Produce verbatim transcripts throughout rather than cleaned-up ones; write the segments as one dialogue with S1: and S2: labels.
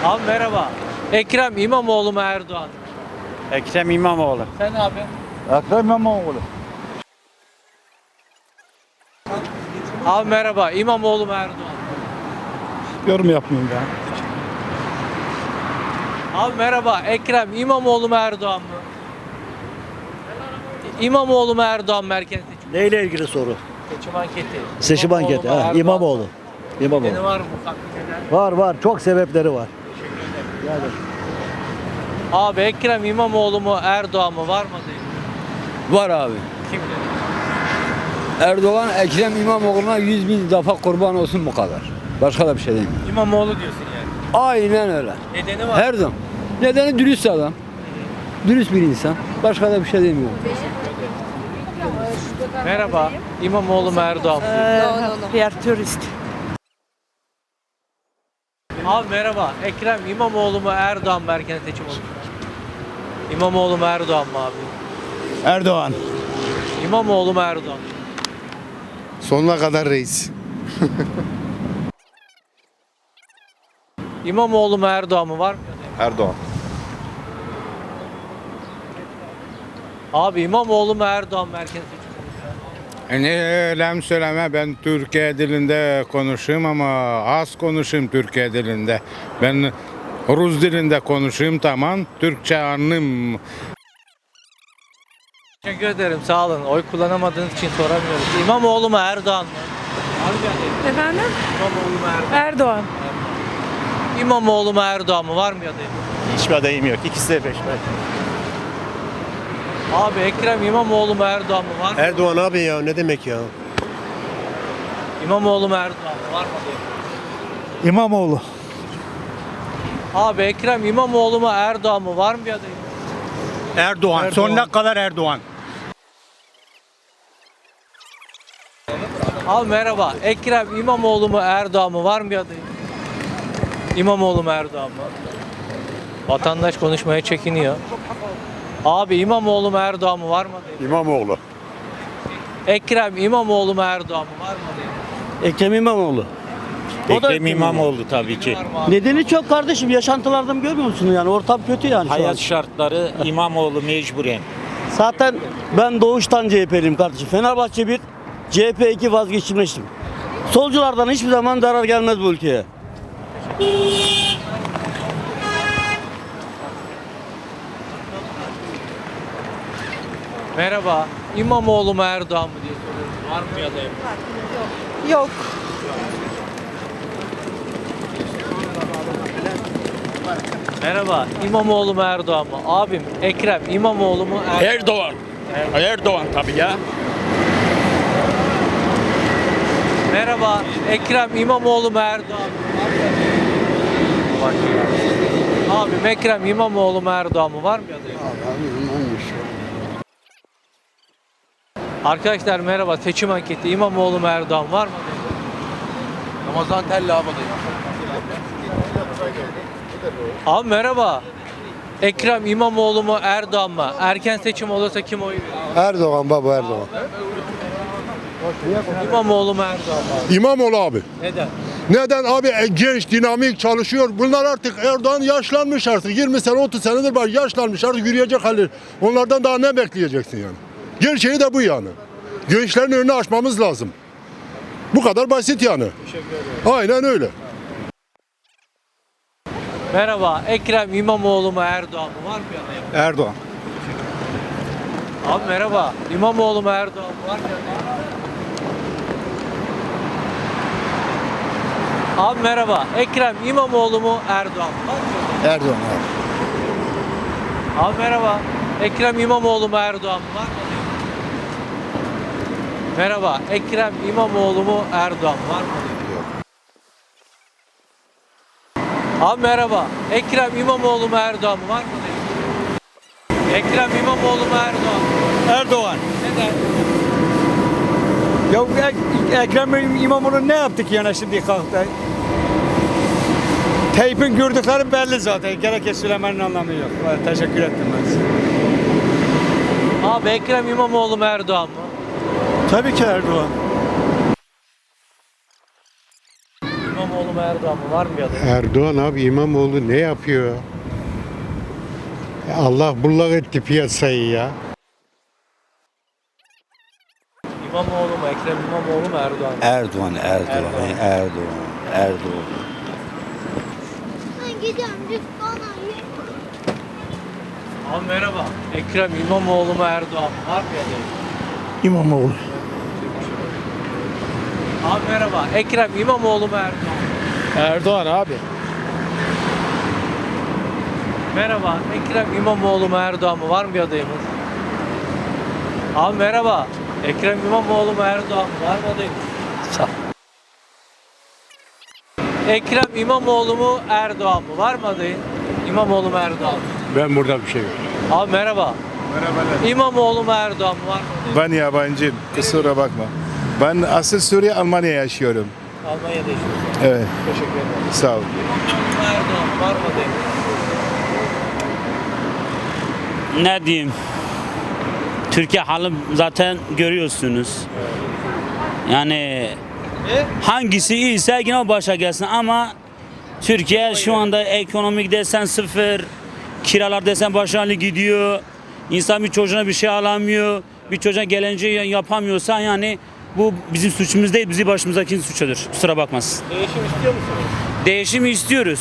S1: Abi merhaba. Ekrem İmamoğlu mu Erdoğan mı?
S2: Ekrem İmamoğlu.
S1: Sen abi?
S3: Ekrem İmamoğlu.
S1: Abi merhaba. İmamoğlu mu Erdoğan mı?
S3: Yorum yapmayayım ben.
S1: Abi merhaba. Ekrem İmamoğlu mu Erdoğan mı? İmamoğlu mu Erdoğan mı erken seçim?
S4: Neyle ilgili soru?
S1: Seçim anketi.
S4: Seçim
S1: İmamoğlu
S4: anketi.
S1: mu,
S4: Ha,
S1: Erdoğan mı?
S4: İmamoğlu.
S1: Nedeni
S4: İmamoğlu.
S1: var mı? Farklı neden?
S4: Var var. Çok sebepleri var. Yani
S1: Abi Ekrem İmamoğlu mu Erdoğan mı var mı adayım?
S5: Var abi.
S1: Kim dedi?
S5: Erdoğan Ekrem İmamoğlu'na yüz bin defa kurban olsun bu kadar. Başka da bir şey değil.
S1: İmamoğlu diyorsun yani.
S5: Aynen öyle.
S1: Nedeni var.
S5: Her zaman. Nedeni dürüst adam. Dürüst bir insan. Başka da bir şey demiyorum.
S1: Merhaba. İmamoğlu mu Erdoğan mı?
S6: Wir turist.
S1: Abi merhaba. Ekrem İmamoğlu mu Erdoğan mı erken seçim olur? İmamoğlu mu Erdoğan mı abi?
S3: Erdoğan.
S1: İmamoğlu mu Erdoğan mı?
S7: Sonuna kadar reis.
S1: İmamoğlu mu Erdoğan mı var mı?
S7: Erdoğan.
S1: Abi İmamoğlu mu Erdoğan mı erken seçim olur?
S8: Ne eylem söyleme, ben Türkiye dilinde konuşayım ama az konuşayım Türkiye dilinde. Ben Rus dilinde konuşayım, tamam. Türkçe anlayayım.
S1: Teşekkür ederim, sağ olun. Oy kullanamadığınız için soramıyoruz. İmamoğlu mu Erdoğan mı? Var mı bir adayım?
S6: Efendim?
S1: İmamoğlu mu Erdoğan?
S6: Erdoğan.
S1: İmamoğlu mu Erdoğan mı? Var mı bir adayım?
S3: Hiçbir adayım yok. İkisi de peşmen.
S1: Abi Ekrem İmamoğlu mu Erdoğan mı? Var mı?
S7: Erdoğan abi ya, ne demek ya?
S1: İmamoğlu mu Erdoğan mı? Var mı adayım?
S3: İmamoğlu.
S1: Abi Ekrem İmamoğlu mu Erdoğan mı? Var mı bir adayım?
S3: Erdoğan.
S1: Erdoğan.
S3: Sonuna kadar Erdoğan.
S1: Abi merhaba. Ekrem İmamoğlu mu Erdoğan mı? Var mı bir adayım? İmamoğlu mu Erdoğan mı? Vatandaş konuşmaya çekiniyor. Abi İmamoğlu mu Erdoğan mı? Var mı adayım?
S7: İmamoğlu.
S1: Ekrem İmamoğlu mu Erdoğan mı? Var mı adayım?
S4: Ekrem İmamoğlu.
S3: Ekrem İmamoğlu tabii ki.
S1: Var mı abi?
S4: Nedeni çok kardeşim. Yaşantılardan görmüyor musun yani? Ortam kötü yani şu an.
S2: Hayat şartları İmamoğlu mecburen.
S4: Zaten ben doğuştan C H P'liyim kardeşim. Fenerbahçe bir, C H P iki vazgeçilmiştim. Solculardan hiçbir zaman zarar gelmez bu ülkeye.
S1: Merhaba. İmamoğlu mu Erdoğan mı diye soruyorum. Var mı bir adayım?
S6: Yok.
S1: Merhaba. İmamoğlu mu Erdoğan mı? Abim Ekrem İmamoğlu mu Erdoğan?
S3: Erdoğan. Erdoğan tabii ya.
S1: Merhaba. Ekrem İmamoğlu mu Erdoğan mı? Abim Ekrem İmamoğlu mu Erdoğan mı? Var mı bir adayım? Arkadaşlar merhaba. Seçim anketi. İmamoğlu mu Erdoğan var mı adayım?
S7: Ramazan Telli abi adayım.
S1: Abi merhaba. Ekrem İmamoğlu mu Erdoğan mı? Erken seçim olursa kim oy verir?
S7: Erdoğan baba, Erdoğan.
S1: İmamoğlu mu Erdoğan mı?
S7: İmamoğlu abi.
S1: Neden?
S7: Neden abi? E, genç, dinamik, çalışıyor. Bunlar artık Erdoğan yaşlanmış artık. yirmi sene, otuz senedir var. Yaşlanmış artık, yürüyecek hali. Onlardan daha ne bekleyeceksin yani? Gerçeği de bu yani. Gençlerin önünü açmamız lazım. Bu kadar basit yani. Aynen öyle.
S1: Merhaba. Ekrem İmamoğlu mu Erdoğan mı? Var mı bir adayım?
S3: Erdoğan.
S1: Abi merhaba. İmamoğlu mu Erdoğan mı? Var mı bir adayım? Abi merhaba. Ekrem İmamoğlu mu Erdoğan mı? Var mı bir adayım?
S3: Erdoğan abi.
S1: Abi merhaba. Ekrem İmamoğlu mu Erdoğan mı? Var mı adayım? Merhaba. Ekrem İmamoğlu mu Erdoğan mı? Var mı adayım? Abi merhaba. Ekrem İmamoğlu mu Erdoğan mı? Var mı adayım? Ekrem İmamoğlu mu Erdoğan mı?
S3: Erdoğan.
S1: Neden?
S3: Ya Ek- Ekrem İmamoğlu ne yaptık yani şimdi kalktı? Tayyip'in gördükleri belli zaten. Gerek söylemenin anlamı yok. Teşekkür ettim ben size.
S1: Abi Ekrem İmamoğlu mu Erdoğan mı?
S3: Tabii ki Erdoğan.
S1: İmamoğlu İmamoğlu mu Erdoğan mı? Var mı bir adayımız?
S9: Erdoğan abi İmamoğlu ne yapıyor? Ya Allah bullak etti piyasayı ya.
S1: İmamoğlu mu? Ekrem İmamoğlu mu Erdoğan mı?
S5: Erdoğan, Erdoğan,
S1: Erdoğan.
S5: Erdoğan, Erdoğan.
S1: Abi merhaba. Ekrem İmamoğlu mu Erdoğan mı? Var mı bir adayımız?
S3: İmamoğlu.
S1: Abi merhaba. Ekrem İmamoğlu mu Erdoğan mı?
S3: Erdoğan abi.
S1: Merhaba. Ekrem İmamoğlu mu Erdoğan mı? Var mı bir adayımız? Abi merhaba. Ekrem İmamoğlu mu Erdoğan mı? Var mı adayımız? Ekrem İmamoğlu mu Erdoğan mı? Var mı adayın? İmamoğlu mu Erdoğan mı?
S9: Ben burada bir şey yok.
S1: Abi merhaba.
S10: Merhabalar.
S1: İmamoğlu mu Erdoğan mı? Var mı adayın?
S10: Ben yabancıyım. Kusura bakma. Ben asıl Suriye, Almanya yaşıyorum.
S1: Almanya'da yaşıyorsun.
S10: Evet.
S1: Teşekkür ederim.
S10: Sağ ol.
S1: İmamoğlu mu Erdoğan mı? Var mı adayın?
S11: Ne diyeyim? Türkiye halı zaten görüyorsunuz. Yani hangisi iyiyse yine o başa gelsin ama Türkiye şu anda ekonomik desen sıfır, kiralar desen başarılı gidiyor. İnsan bir çocuğuna bir şey alamıyor, bir çocuğa geleceği yapamıyorsa yani bu bizim suçumuz değil, bizi başımızdakinin suçudur. Kusura bakmasın.
S1: Değişim istiyor musunuz?
S11: Değişimi istiyoruz.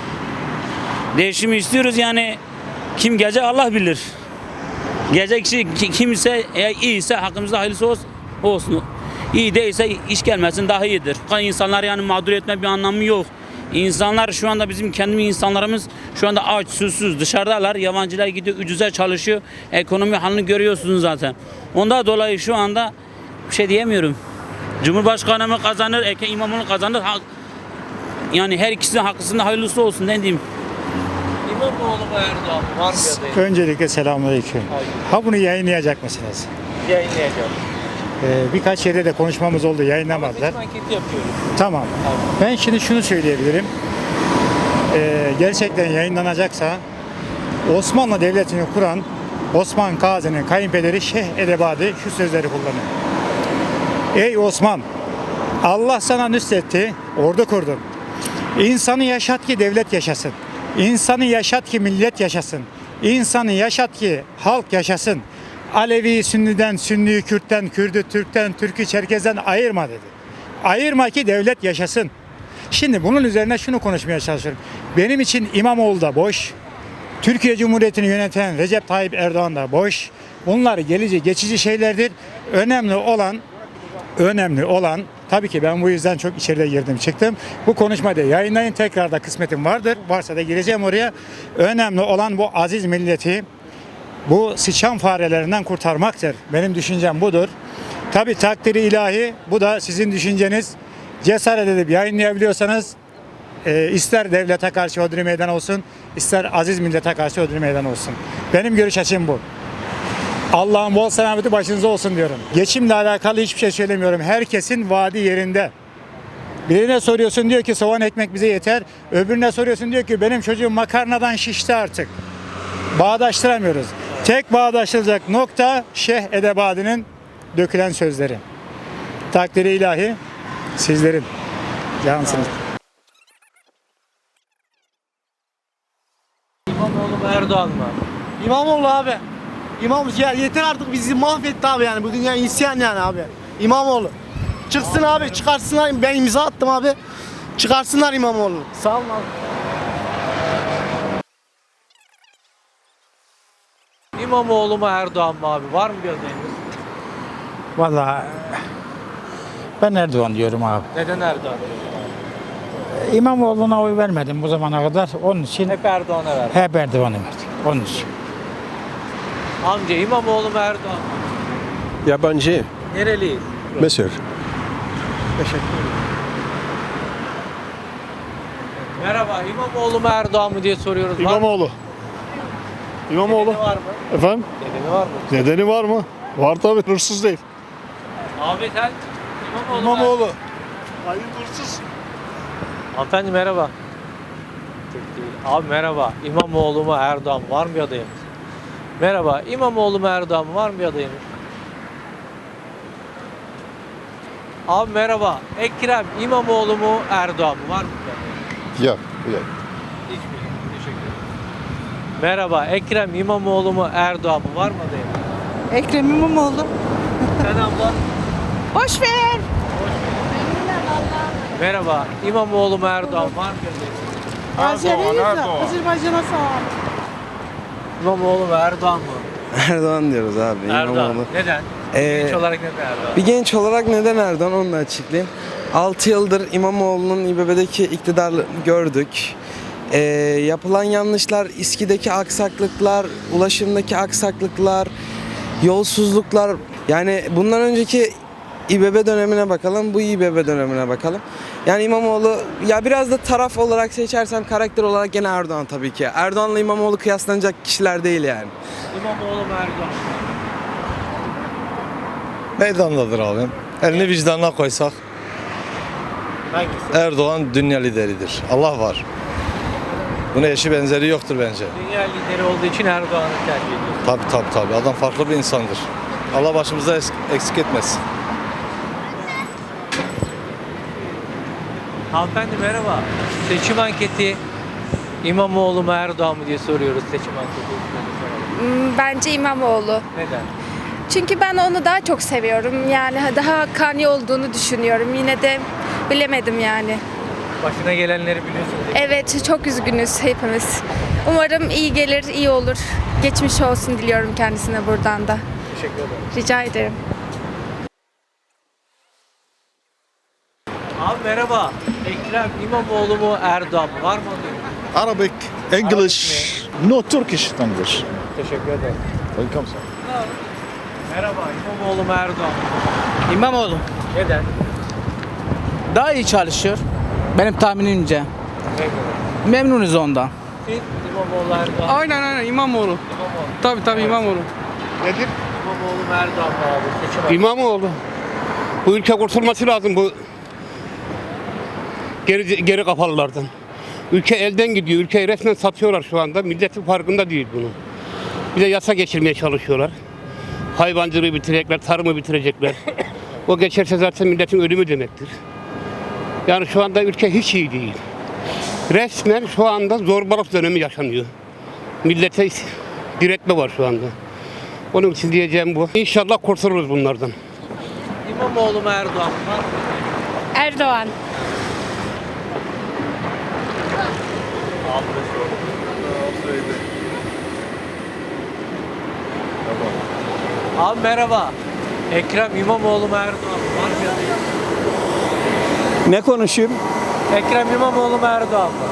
S11: Değişimi istiyoruz yani kim gelecek Allah bilir. Gelecek kişi ki- kimse eğer iyiyse hakkımızda hayırlısı olsun. olsun. İyi değilse iş gelmesin daha iyidir. İnsanlar yani mağdur etme bir anlamı yok. İnsanlar şu anda bizim kendi insanlarımız şu anda aç, susuz, dışarıdalar. Yabancılar gidiyor, ucuza çalışıyor. Ekonomi halini görüyorsunuz zaten. Ondan dolayı şu anda bir şey diyemiyorum. Cumhurbaşkanı mı kazanır, Ekrem İmamoğlu kazanır. Ha- Yani her ikisinin hakkısında hayırlısı olsun ne diyeyim.
S1: İmamoğlu mu Erdoğan mı? Var mı bir adayın?
S3: Öncelikle selamünaleyküm. Ha bunu yayınlayacak mısınız?
S1: Yayınlayacağım.
S3: Ee, birkaç yerde de konuşmamız oldu,
S1: Ama
S3: yayınlamadılar.
S1: seçim anketi yapıyoruz.
S3: Tamam. Ben şimdi şunu söyleyebilirim. Ee, gerçekten yayınlanacaksa Osmanlı Devleti'ni kuran Osman Gazi'nin kayınpederi Şeyh Edebadi şu sözleri kullanıyor. Ey Osman! Allah sana nüsretti, ordu kurdun. İnsanı yaşat ki devlet yaşasın. İnsanı yaşat ki millet yaşasın. İnsanı yaşat ki halk yaşasın. Alevi Sünni'den, Sünni'yi Kürt'ten, Kürd'ü Türk'ten, Türk'ü Çerkez'den ayırma dedi. Ayırma ki devlet yaşasın. Şimdi bunun üzerine şunu konuşmaya çalışıyorum. Benim için İmamoğlu da boş. Türkiye Cumhuriyeti'ni yöneten Recep Tayyip Erdoğan da boş. Bunlar gelici, geçici şeylerdir. Önemli olan, önemli olan, tabii ki ben bu yüzden çok içeride girdim çıktım. Bu konuşmayı yayınlayın, tekrar da kısmetim vardır. Varsa da gireceğim oraya. Önemli olan bu aziz milleti bu sıçan farelerinden kurtarmaktır. Benim düşüncem budur. Tabii takdiri ilahi, bu da sizin düşünceniz. Cesaret edip yayınlayabiliyorsanız e, ister devlete karşı hodri meydan olsun, ister aziz millete karşı hodri meydan olsun. Benim görüş açım bu. Allah'ın bol selameti başınıza olsun diyorum. Geçimle alakalı hiçbir şey söylemiyorum. Herkesin vaadi yerinde. Birine soruyorsun diyor ki soğan ekmek bize yeter. Öbürüne soruyorsun diyor ki benim çocuğum makarnadan şişti artık. Bağdaştıramıyoruz. Tek bağdaştırılacak nokta Şeyh Edebadi'nin dökülen sözleri. Takdiri ilahi sizlerin. Cansınız.
S1: İmamoğlu mu Erdoğan mı?
S12: İmamoğlu abi. İmam ya yeter artık bizi mahvetti abi yani bu dünya isyan yani abi. İmamoğlu. Çıksın abi çıkarsınlar ben imza attım abi. Çıkarsınlar İmamoğlu. Sağ olun abi.
S1: İmamoğlu mu Erdoğan mı abi? Var mı bir adayımız?
S3: Vallahi ben Erdoğan diyorum abi.
S1: Neden Erdoğan?
S3: İmamoğlu'na oy vermedim bu zamana kadar. Onun için
S1: Hep Erdoğan'a ver.
S3: hep Erdoğan'a verdim. Onun için.
S1: Amca İmamoğlu mu Erdoğan mı?
S9: Yabancı.
S1: Nereliyiz?
S9: Mısır.
S3: Teşekkür ederim.
S1: Merhaba İmamoğlu mu Erdoğan mı diye soruyoruz. Var mı?
S7: İmamoğlu. İmamoğlu.
S1: Nedeni var mı?
S7: Efendim?
S1: Nedeni var mı?
S7: Nedeni var mı? Var tabii. Hırsız değil.
S1: Abi sen İmamoğlu mu?
S7: Hayır hırsız.
S1: Hanımefendi merhaba. Tek değil. Abi merhaba. İmamoğlu mu Erdoğan mı? Var mı bir adayımız? Merhaba. İmamoğlu mu Erdoğan mı? Var mı bir adayımız? Abi merhaba. Ekrem İmamoğlu mu Erdoğan mı? Var mı?
S10: Yok. Yok.
S1: Hiçbiri. Teşekkür ederim. Merhaba. Ekrem İmamoğlu mu Erdoğan mı? Var mı adayım?
S6: Ekrem İmamoğlu.
S1: Sen abla.
S6: Boş ver.
S1: Merhaba. İmamoğlu mu Erdoğan mı? Var mı adayım?
S6: Azeriyiz. Azerbaycan'a sağ ol.
S1: İmamoğlu mu Erdoğan mı?
S12: Erdoğan diyoruz abi.
S1: Erdoğan. Neden?
S12: Ee,
S1: Genç olarak neden Erdoğan?
S12: Bir genç olarak neden Erdoğan onu da açıklayayım. altı yıldır İmamoğlu'nun İBB'deki iktidarını gördük. Ee, yapılan yanlışlar, İSKİ'deki aksaklıklar, ulaşımdaki aksaklıklar, yolsuzluklar. Yani bundan önceki İBB dönemine bakalım, bu İBB dönemine bakalım. Yani İmamoğlu, ya biraz da taraf olarak seçersem karakter olarak gene Erdoğan tabii ki. Erdoğan'la İmamoğlu kıyaslanacak kişiler değil yani.
S1: İmamoğlu mu Erdoğan mı?
S13: Meydandadır abi. Elini vicdanına koysak
S1: Hangisi?
S13: Erdoğan dünya lideridir. Allah var. Buna eşi benzeri yoktur bence.
S1: Dünya lideri olduğu için Erdoğan'ı tercih ediyorsun.
S13: Tabii tabii tabii. Adam farklı bir insandır. Allah başımıza es- eksik etmesin.
S1: Hanımefendi merhaba. Seçim anketi İmamoğlu mu Erdoğan mı diye soruyoruz seçim anketi.
S6: Bence İmamoğlu.
S1: Neden?
S6: Çünkü ben onu daha çok seviyorum. Yani daha kani olduğunu düşünüyorum. Yine de bilemedim yani.
S1: Başına gelenleri biliyorsunuz.
S6: Evet, çok üzgünüz hepimiz. Umarım iyi gelir, iyi olur. Geçmiş olsun diliyorum kendisine buradan da.
S1: Teşekkür ederim.
S6: Rica ederim.
S1: Abi merhaba. Ekrem İmamoğlu mu Erdoğan mı? Var mı adayım?
S10: Arabic, English, no Turkish language.
S1: Teşekkür ederim.
S10: Welcome sir.
S1: Merhaba. İmamoğlu mu Erdoğan mı?
S12: İmamoğlu
S1: Neden?
S12: daha iyi çalışıyor. Benim tahminimce. Memnunuz ondan.
S1: Siz İmamoğlu Erdoğan.
S12: Aynen aynen İmamoğlu.
S1: İmamoğlu.
S12: Tabii tabii İmamoğlu.
S8: Nedir?
S1: İmamoğlu mu Erdoğan mı abi? Seçim anketi.
S8: İmamoğlu. Bu ülke kurtulması lazım bu geri, geri kafalılardan. Ülke elden gidiyor. Ülkeyi resmen satıyorlar şu anda. Milletin farkında değil bunun. Bir de yasa geçirmeye çalışıyorlar. Hayvancılığı bitirecekler, tarımı bitirecekler. O geçerse zaten milletin ölümü demektir. Yani şu anda ülke hiç iyi değil. Resmen şu anda zorbalık dönemi yaşanıyor. Millete diretme var şu anda. Onun için diyeceğim bu. İnşallah kurtuluruz bunlardan.
S1: İmamoğlu mu Erdoğan mı? Var mı?
S6: Erdoğan.
S1: Abi merhaba. Ekrem İmamoğlu mu Erdoğan mı? Var mı adayım?
S12: Ne konuşayım?
S1: Ekrem İmamoğlu mu Erdoğan mı?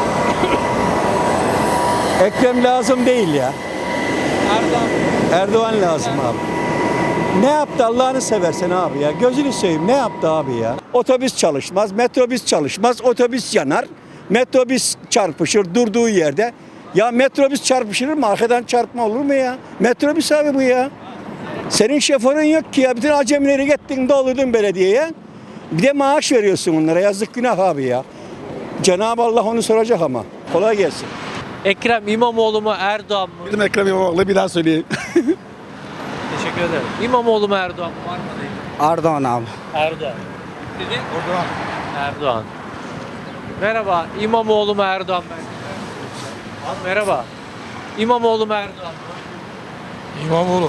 S12: Ekrem lazım değil ya.
S1: Erdoğan mı?
S12: Erdoğan lazım abi. Ne yaptı Allah'ını seversen abi ya. Gözünü seveyim ne yaptı abi ya. Otobüs çalışmaz, metrobüs çalışmaz, otobüs yanar. Metrobüs çarpışır durduğu yerde. Ya metrobüs çarpışır mı? Arkadan çarpma olur mu ya? Metrobüs abi bu ya. Senin şoförün yok ki ya. Bütün acemileri gittin doldurdun belediyeye. Bir de maaş veriyorsun onlara. Yazık günah abi ya. Cenab-ı Allah onu soracak ama. Kolay gelsin.
S1: Ekrem İmamoğlu mu Erdoğan mı?
S10: Bizim Ekrem İmamoğlu bir daha söyleyeyim.
S1: Teşekkür ederim. İmamoğlu mu Erdoğan mı? Var mı adayım?
S12: Erdoğan abi.
S1: Erdoğan. Dedin? Erdoğan. Erdoğan. Merhaba. İmamoğlu mu Erdoğan mı? Abi merhaba. İmamoğlu mu Erdoğan mı?
S13: İmamoğlu.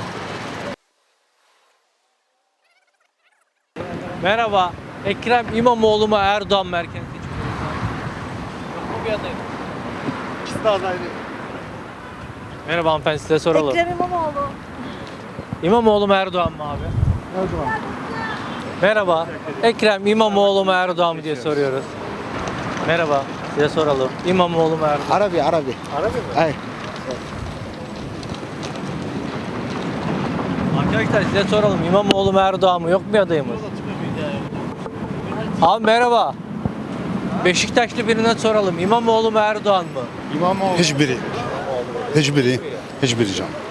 S1: Merhaba. Ekrem İmamoğlu mu Erdoğan mı erken seçim? Yok mu bir adayım?
S12: İkisi de adaylı.
S1: Merhaba hanımefendi size soralım.
S6: Ekrem İmamoğlu.
S1: İmamoğlu mu Erdoğan mı abi?
S12: Erdoğan.
S1: Merhaba. Ekrem İmamoğlu mu Erdoğan mı diye soruyoruz. Merhaba. Size soralım. İmamoğlu mu Erdoğan?
S12: Arabi, Arabi.
S1: Arabi mi?
S12: Hayır.
S1: Arkadaşlar size soralım. İmamoğlu mu Erdoğan mı? Yok mu bir adayımız? Abi merhaba. Beşiktaşlı birine soralım. İmamoğlu mu Erdoğan mı?
S10: İmamoğlu. Hiçbiri. Hiçbiri. Hiçbiri can.